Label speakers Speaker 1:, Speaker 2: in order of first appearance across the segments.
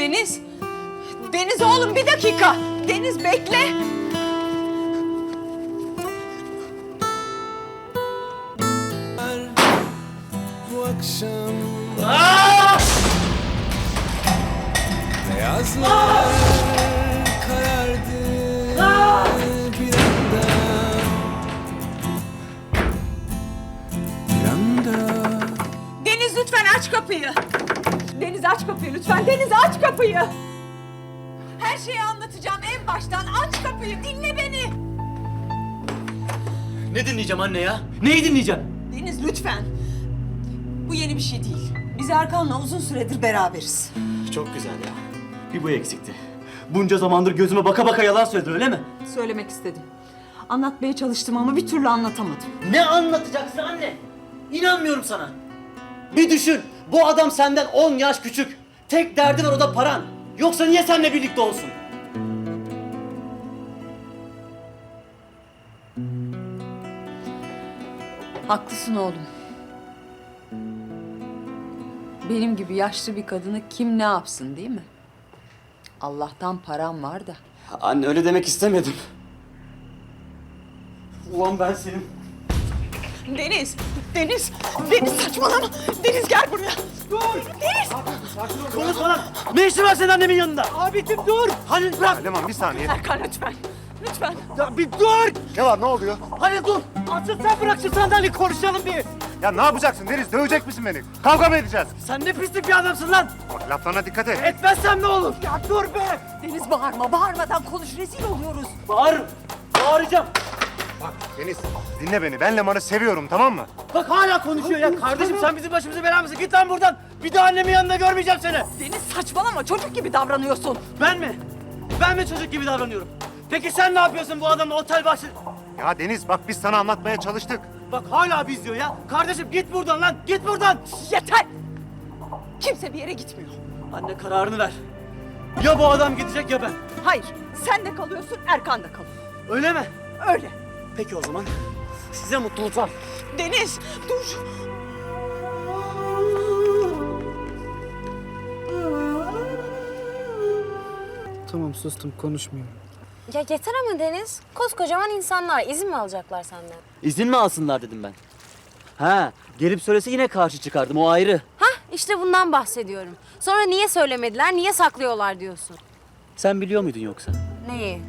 Speaker 1: Deniz! Deniz oğlum bir dakika! Deniz bekle!
Speaker 2: Bu akşam beyazlar karardı bir anda.
Speaker 1: Deniz lütfen aç kapıyı! Deniz aç kapıyı lütfen! Deniz aç kapıyı! Her şeyi anlatacağım en baştan. Aç kapıyı, dinle beni!
Speaker 3: Ne dinleyeceğim anne ya? Neyi dinleyeceğim?
Speaker 1: Deniz lütfen! Bu yeni bir şey değil. Biz Erkan'la uzun süredir beraberiz.
Speaker 3: Çok güzel ya. Bir bu eksikti. Bunca zamandır gözüme baka baka yalan söyledin öyle mi?
Speaker 1: Söylemek istedim. Anlatmaya çalıştım ama bir türlü anlatamadım.
Speaker 3: Ne anlatacaksın anne? İnanmıyorum sana. Bir düşün. Bu adam senden 10 yaş küçük. Tek derdi var, o da paran. Yoksa niye seninle birlikte olsun?
Speaker 1: Haklısın oğlum. Benim gibi yaşlı bir kadını kim ne yapsın değil mi? Allah'tan param var da.
Speaker 3: Anne öyle demek istemedim. Ulan ben senin...
Speaker 1: Deniz! Deniz! Deniz saçmalama! Deniz gel buraya! Dur! Deniz!
Speaker 3: Konuşma lan! Ne işin var senin annemin yanında? Abicim dur! Halil bırak!
Speaker 4: Leman bir saniye.
Speaker 1: Erkan lütfen! Lütfen!
Speaker 3: Ya bir dur!
Speaker 4: Ne var, ne oluyor?
Speaker 3: Halil dur! Asıl sen bırak şu sandalyeyi, konuşalım bir!
Speaker 4: Ya ne yapacaksın Deniz? Dövecek misin beni? Kavga mı edeceğiz?
Speaker 3: Sen ne pislik bir adamsın lan!
Speaker 4: Bak laflarına dikkat et.
Speaker 3: Etmezsem ne olur? Ya dur be!
Speaker 1: Deniz bağırma! Bağırmadan konuş! Rezil oluyoruz!
Speaker 3: Bağırırım! Bağıracağım!
Speaker 4: Bak Deniz dinle beni. Ben Leman'ı seviyorum, tamam mı?
Speaker 3: Bak hala konuşuyor ya! Kardeşim sen bizim başımıza bela mısın? Git lan buradan! Bir daha annemin yanında görmeyeceğim seni!
Speaker 1: Deniz saçmalama! Çocuk gibi davranıyorsun!
Speaker 3: Ben mi? Ben mi çocuk gibi davranıyorum? Peki sen ne yapıyorsun bu adamla otel bahçe...
Speaker 4: Ya Deniz bak biz sana anlatmaya çalıştık.
Speaker 3: Bak hala biz diyor ya! Kardeşim git buradan lan! Git buradan!
Speaker 1: Yeter! Kimse bir yere gitmiyor.
Speaker 3: Anne kararını ver. Ya bu adam gidecek ya ben.
Speaker 1: Hayır, sen de kalıyorsun, Erkan da kalıyor.
Speaker 3: Öyle mi?
Speaker 1: Öyle.
Speaker 3: Peki o zaman size mutluluklar.
Speaker 1: Deniz, dur.
Speaker 5: Tamam sustum, konuşmuyorum.
Speaker 6: Ya yeter ama Deniz. Koskocaman insanlar izin mi alacaklar senden?
Speaker 3: İzin mi alsınlar dedim ben. Ha, gelip söylese yine karşı çıkardım, o ayrı.
Speaker 6: Hah işte bundan bahsediyorum. Sonra niye söylemediler, niye saklıyorlar diyorsun.
Speaker 3: Sen biliyor muydun yoksa?
Speaker 6: Neyi?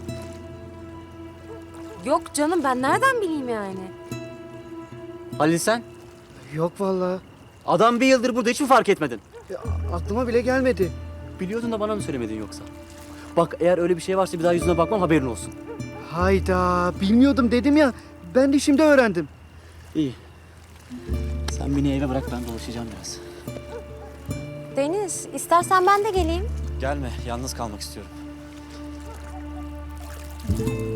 Speaker 6: Yok canım ben nereden bileyim yani?
Speaker 3: Halil sen?
Speaker 5: Yok vallahi.
Speaker 3: Adam bir yıldır burada, hiç mi fark etmedin?
Speaker 5: Ya, aklıma bile gelmedi.
Speaker 3: Biliyordun da bana mı söylemedin yoksa? Bak eğer öyle bir şey varsa bir daha yüzüne bakmam, haberin olsun.
Speaker 5: Hayda, bilmiyordum dedim ya. Ben de şimdi öğrendim.
Speaker 3: İyi. Sen beni eve bırak, ben dolaşacağım biraz.
Speaker 6: Deniz istersen ben de geleyim.
Speaker 3: Gelme, yalnız kalmak istiyorum.